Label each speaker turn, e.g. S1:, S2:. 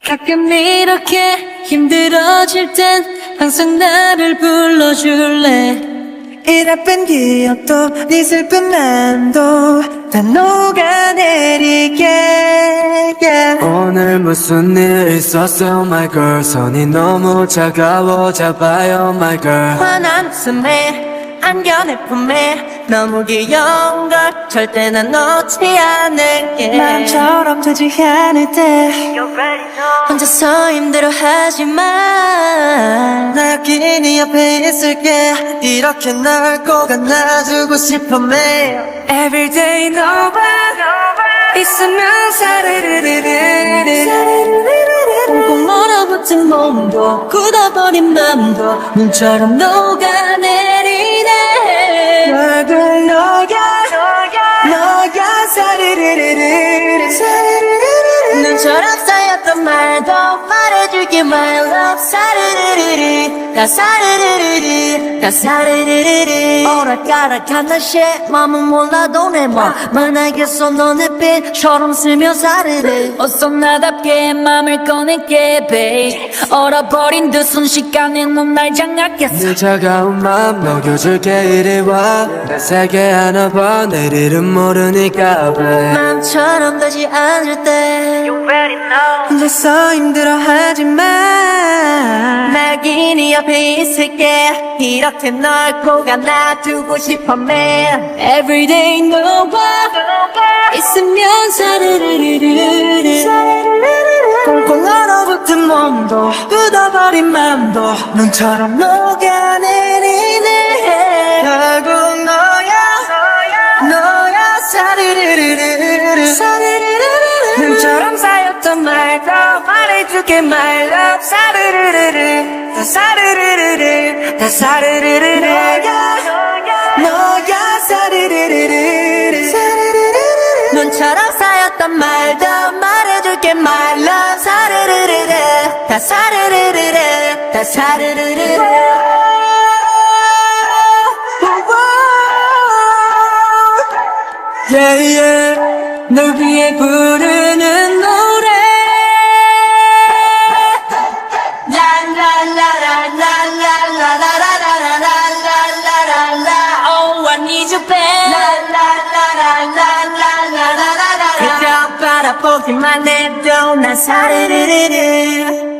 S1: 가끔 이렇게 힘들어질 땐 항상 나를 불러줄래.
S2: 이 나쁜 기억도 네 슬픈 맘도 다 녹아내리게 yeah.
S3: 오늘 무슨 일 있었어 my girl 손이 너무 차가워 잡아요 my girl
S2: 환한 숨에 안겨내 품에 너무 귀여운 걸 절대 난 놓지 않을게 마음처럼 되지 않을 때 혼자서 힘들어하지마 나 여기 네 옆에 있을게 이렇게 널 꼭 안아주고 싶어 매일 Everyday 너와 있으면 사르르르르르
S1: 꽁꽁 얼어붙은 몸도 굳어버린 맘도 눈처럼 녹아내리네.
S2: 얼굴 너야 사르르르르
S1: 눈처럼 쌓였던 말도 말해줄게 my love. 사르르르르 다 사르르르르 다 사르르르르 오락가락한 날씨에 맘은 몰라도 내 맘만 알겠어. 너의 빛처럼 스며 사르르 어서 나답게 맘을 꺼낼게 babe. 얼어버린 듯 순식간에 넌 날 장악했어.
S3: 네 차가운 맘 녹여줄게 이리 와내 세계 안아봐 내일은 모르니까 babe
S1: 마음처럼 되지 않을 때
S2: 혼자서 힘들어하지마
S1: 나 여기 네 옆에 있을게 이렇게 널 꼭 안아두고 싶어 man. Everyday 너와 있으면 사르르르르르
S2: 꽁꽁 얼어붙은 몸도 굳어버린 맘도 눈처럼 녹아내리네 결국 너야 사르르르르르 눈처럼 쌓였던 말도 말해줄게 my love 사르르르르 다 사르르르르 다 사르르르르 너야 사르르르르
S1: 눈처럼 쌓였던 말도 말해줄게 my love. 사르르르르 다 사르르르르 다 사르르르르
S2: yeah, yeah. 널 위해 부르는 노래
S1: 라라라라라라라라라라라라라라 Oh I need you babe. 라라라라라라라라라라 그저 바라보기만 해도 난 사르르르르